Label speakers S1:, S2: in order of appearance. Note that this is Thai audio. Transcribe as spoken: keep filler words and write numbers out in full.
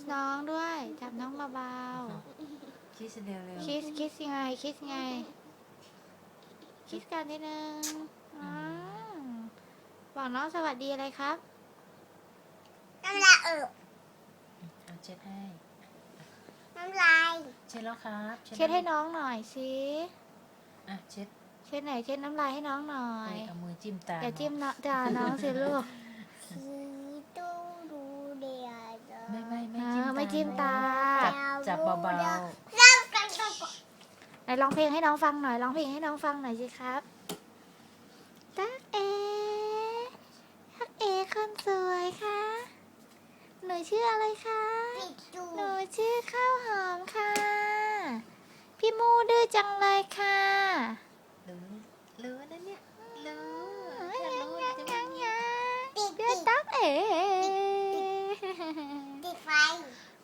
S1: น้องด้วยจับน้องเบา
S2: คิสเร็วเร็ว
S1: ๆคิสคิสยังไงคิสยังไงคิสกันนิดนึงอ่าบอกน้องสวัสดีอะไรครับ
S3: น้ำลายเอิบ
S2: เอาเช็ดให้
S3: น้ำลาย
S2: เช็ดแล้วครับ
S1: เช็ดให้น้องหน่อยสิ
S2: อ่ะเช็ด
S1: เช็ดไหนอยเช็ดน้ำลายให้น้องหน่อ
S2: เอ้
S1: ย
S2: ยเอามือจิ้มตา
S1: อย่าจิ้ม
S2: เนาะ
S1: เนาะด่าน้องสิลูก
S3: สีตู้ดูเดียด
S2: ไม่ไม่ไม่
S1: เอ
S2: จิ้ม
S1: อ
S2: ตา
S1: ไม่จิ้มตา
S2: จับจับเบา
S3: เริ่มกันก่อน
S1: ไหนร้องเพลงให้น้องฟังหน่อยร้องเพลงให้น้องฟังหน่อยสิครับตักเอตักเอคนสวยค่ะหนูชื่ออะไรคะ
S3: ปิดจู
S1: หนูชื่อข้าวหอมค่ะ พี่มูดื้อจังเลยค่ะ
S2: ๆรู้รู้นะเนี่ยรู้
S1: ยั
S2: ถ้าง รู้
S1: ยัง
S2: จะ
S1: ยัง
S2: ไม่
S1: ยัง
S3: ปิด
S1: เดือ
S3: ปิ
S1: ด
S3: ด
S1: ตักเอ
S3: ปิดไฟ